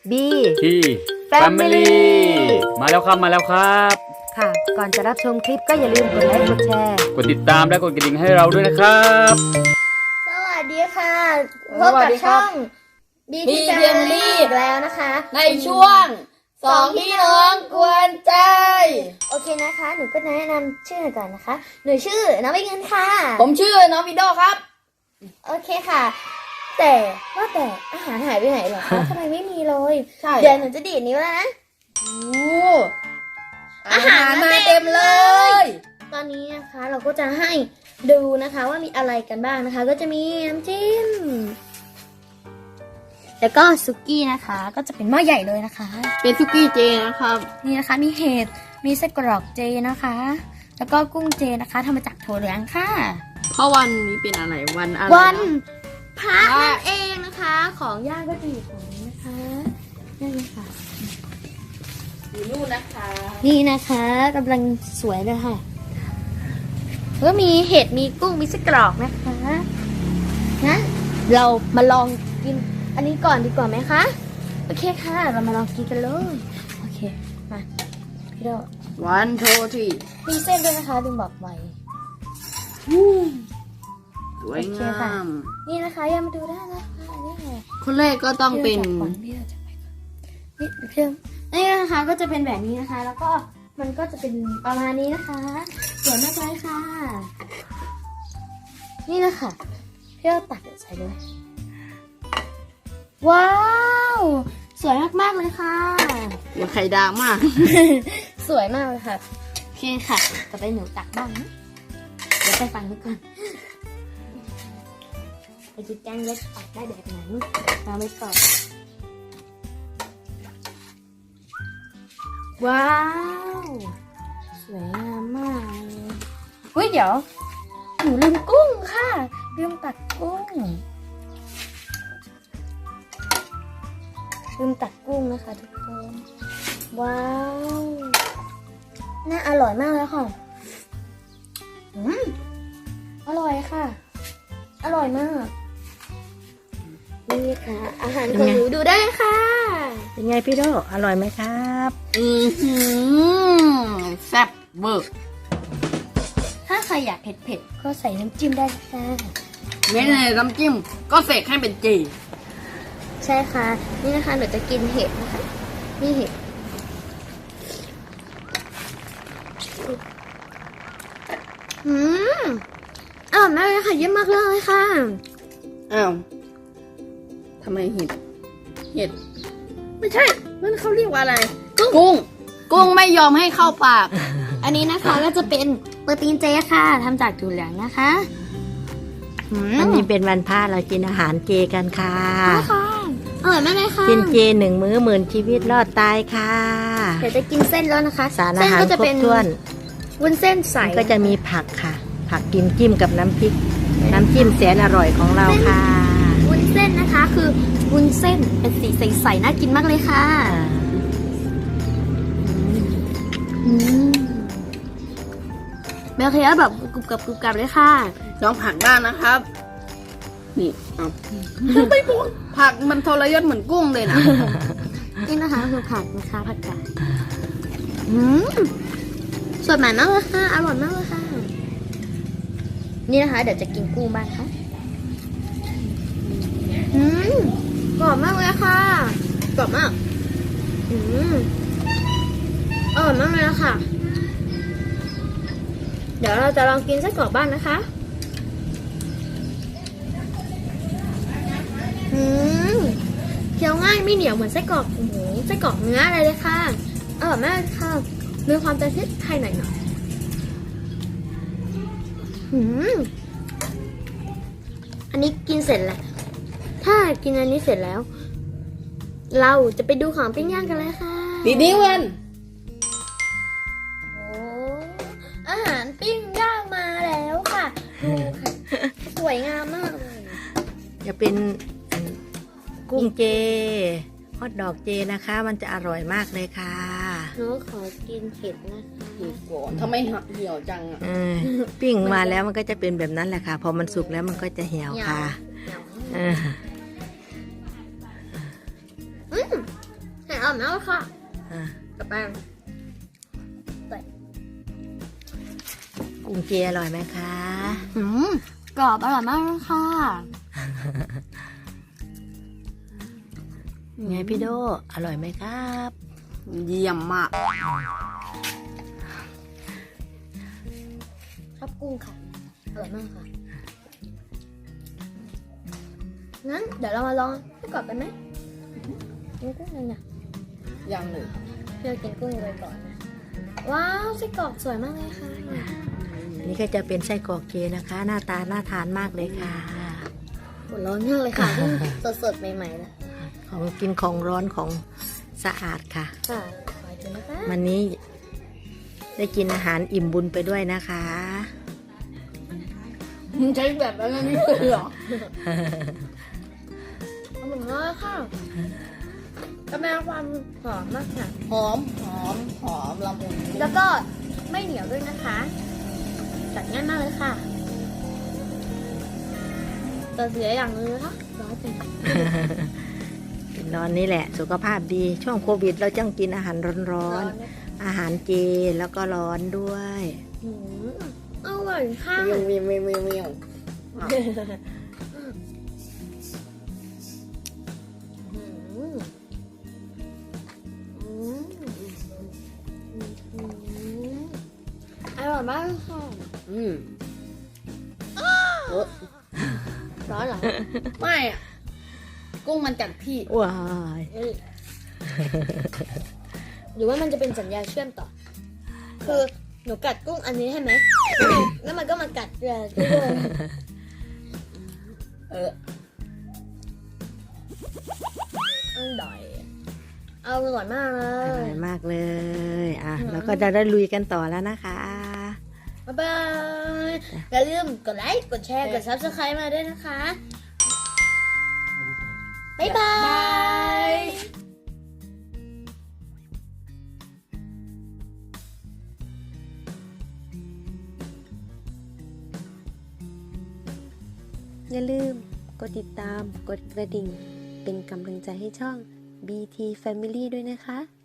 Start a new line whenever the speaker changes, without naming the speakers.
B
ที่
Family
มาแล้วครับ
ค่ะ ก่อนจะรับชมคลิปก็อย่าลืมกดไลค์กดแชร์
กดติดตามและกดกระดิ่งให้เราด้วยนะครับ
สวัสดีค่ะพ
ส
บ
วัส
กับ
ดีครั
ช่
บ
อง
B
BT Family
Family
อีกแล้วนะคะ
ในช่วงสองพี่น้องกวนใจ
โอเคนะคะ หนูก็แนะนำชื่อหน่อยก่อนนะคะ หนูชื่อน้องใบเงินค่ะ
ผมชื่อน้องวิโดครับ
โอเคค่ะ แต่ว่าแต่อาหารหายไปไหนเหรอคะ ทำไมไม่มีเลย
ใช่
เดี๋ยวหนูจะดีดนิ้วแล้วนะ
โอ้
อาหาร
มาเต็มเลย
ตอนนี้นะคะเราก็จะให้ดูนะคะว่ามีอะไรกันบ้างนะคะ ก็จะมีน้ำจิ้มแล้วก็ซุกี้นะคะ ก็จะเป็นหม้อใหญ่เลยนะคะ
เป็นซุกี้เจนะครับ
นี่นะคะมีเห็ดมีไส้กรอกเจนะคะ แล้วก็กุ้งเจนะคะทำมาจากถั่วเหลืองค่ะ
เพราะวันนี้เป็นอะไรวันอะไร
วัน
นะ
พระนั่นเองนะคะ ของย่างก็จะอยู่ตรงนี้นะคะนี่เลยค่ะ
อยู่นู่นนะคะ
นี่นะคะกำลังสวยเลยค่ะก็มีเห็ดมีกุ้งมีไส้กรอกนะคะงั้นเรามาลองกินอันนี้ก่อนดีกว่าไหมคะโอเคค่ะ เรามาลองกินกันเลยโอเคมาพี่โด
วันโทที่
มีเส้นด้วยนะคะลืมบอกไว้
สวย
โอเค
งา
ค่ะ
ม
นี่นะคะยังมาดูได้นะคะนี่ค่ะ
คนแรกก็ต้องเป็น
พี่เราจะไปก่อนนี่เพิ่มนี่นะคะก็จะเป็นแบบนี้นะคะ แล้วก็มันก็จะเป็นประมาณนี้นะคะสวยมากเลยค่ะ นี่นะคะพี่เราตักใส่เลยว้าวสวยมากๆเลยค่ะ
หัวไข่ดาวมาก
สวยมากเลยค่ะโอเคค่ะต่อไปหนูตักบ้างนะเดี๋ยวไปฟังดูก่อนไปดูแกงเล็กตักได้แบบไหนเราไม่ก่อนว้าวสวยงามมากเลยเฮ้ยเดี๋ยวหนูลืมกุ้งค่ะลืมตักกุ้งนะคะทุกคนว้าวน่าอร่อยมากเลยค่ะอร่อยค่ะ อร่อยมากนี่ค่ะ อาหารของหนูดูได้ค่ะ
เป็นไงพี่โดอร่อยไหมครับ
แซ่บเบิร์ก
ถ้าใครอยากเผ็ดๆก็ใส่น้ำจิ้มได้ค่ะ
เน้นในน้ำจิ้มก็เสกให้เป็นเจ
ใช่ค่ะ นี่นะคะหนูจะกินเห็ดนะคะนี่เห็ดอร่อยมากเลยค่ะเยี่ยมมากเลยค่ะ
อ้าวทำไมเห็ด ไม่ใช่นั่นเขาเรียกว่าอะไร กุ้งไม่ยอมให้เข้าปาก
อันนี้นะคะก็จะเป็นโปรตีนเจค่ะทำจากถั่วเหลืองนะคะ
วันนี้เป็นวันพระเรากินอาหารเจกันค่ะ
ค่ะอร่อยมากเลยค่ะ
กินเจ1 มื้อหมื่นชีวิตรอดตายค่ะ
เดี๋ยวจะกินเส้นแล้วนะคะ
สารอาหาร
เส้นก็จะ
คร
เป็
บ
น
ถ้วน
วุ้นเส้นใส
ก็จะมีผักค่ะ ผักกินจิ้มกับน้ำพริก น้ำจิ้มแสนอร่อยของเราค่ะ
วุ้นเส้นนะคะคือวุ้นเส้นเป็นสีใสๆน่ากินมากเลยค่ะเบลเคียแบบกรุบกรับเลยค่ะ
ลองผักบ้างนะครับ นี่เอาไม่พูดผักมันทรยศเหมือนกุ้งเลยนะ
นี่นะคะคือผักนะคะผักกาดสดใหม่มากเลยค่ะอร่อยมากเลยค่ะนี่นะคะเดี๋ยวจะกินกุ้งบ้างค่ะกรอบมากเลยค่ะกรอบมากอร่อยมากเลยค่ะเดี๋ยวเราจะลองกินไส้กรอกบ้างนะคะเคี้ยวง่ายไม่เหนียวเหมือนไส้กรอกหมูไส้กรอกเนื้ออะไรเลยค่ะอร่อยมากเลยค่ะมีความจะทิดไทยหน่อยอันนี้กินเสร็จแล้วถ้ากินอันนี้เสร็จแล้ว เราจะไปดูของปิ้งย่างกันเลยค่ะ
ดีดีวัน
โอ้อาหารปิ้งย่างมาแล้วค่ะดูค่ะสวยงามมากเลย
จะเป็นกุ้งเจฮอทดอกเจนะคะ มันจะอร่อยมากเลยค่ะ
หนูขอกินเห็ดนะคะ
ดีก่อนทำไมหักเหี่ยวจังอ่ะ
ปิ้งมาแล้วมันก็จะเป็นแบบนั้นแหละค่ะ พอมันสุกแล้วมันก็จะเหี่ยวค่ะ
เหนียว
เออ
เอาแล้วค่ะ
อ่ะ
กับแป้ง
กุ้งเจอร่อยไหมคะ
กรอบอร่อยมากเลยค่ะ
ไงพี่โดอร่อยไหมครับ
เยี่ยมมาก
ชอบกุ้งค่ะอร่อยมากค่ะงั้นเดี๋ยวเรามาลองไส้กรอกกันไหมกินกุ้งเลยนะ
ยังเลย
เพื่อกินกุ้งเลยก่อนนะว้าวไส้กรอกสวยมากเลยค่ะ
นี่ก็จะเป็นไส้กรอกเจนะคะ หน้าตาน่าทานมากเลยค่ะ
หัวร้อนมากเลยค่ะเพิ่งสดๆใหม่ๆนะ
ของกินของร้อนของสะอาดค่ะ
ค่ะขอกินนะคะ
วันนี้ได้กินอาหารอิ่มบุญไปด้วยนะคะ
ใช้แบบนั้นนี่เลยเหรอ
อร่อยมากค่ะกำลังความหอมมากค่ะ
หอมละมุน
แล้วก็ไม่เหนียวด้วยนะคะจัดง่ายมากเลยค่ะแต่เสียอย่างนึงนะคะร้อนจัง
กินร้อนนี่แหละ สุขภาพดีช่วงโควิดเราจ้องกินอาหารร้อน
นะ
ๆอาหารเจแล้วก็ร้อนด้วย
หืมอร่อยค่ะ
เมียวเมียวเมียวเมียวเมียว
อืมอืมอืมอร่อยมากเลยค่ะ ร้อนเหรอ
ไม่อะกุ้งมันกัดพี่
ว้าย
เอ้ยหรือว่ามันจะเป็นสัญญาณเชื่อมต่อ คือหนูกัดกุ้งอันนี้ใช่ไหม แล้วมันก็มากัดเรือกุ้ง
เออ
อร่อยอร่อยมากเล
อย ร่อยมากเลยอ่ะเราก็จะได้ลุยกันต่อแล้วนะคะ
บ๊ายบายอย่าลืมกดไลค์ กดแชร์ กด subscribe มาด้วยนะคะ บ๊ายบาย
อย่าลืมกดติดตาม กดกระดิ่ง เป็นกำลังใจให้ช่อง BT Family ด้วยนะคะ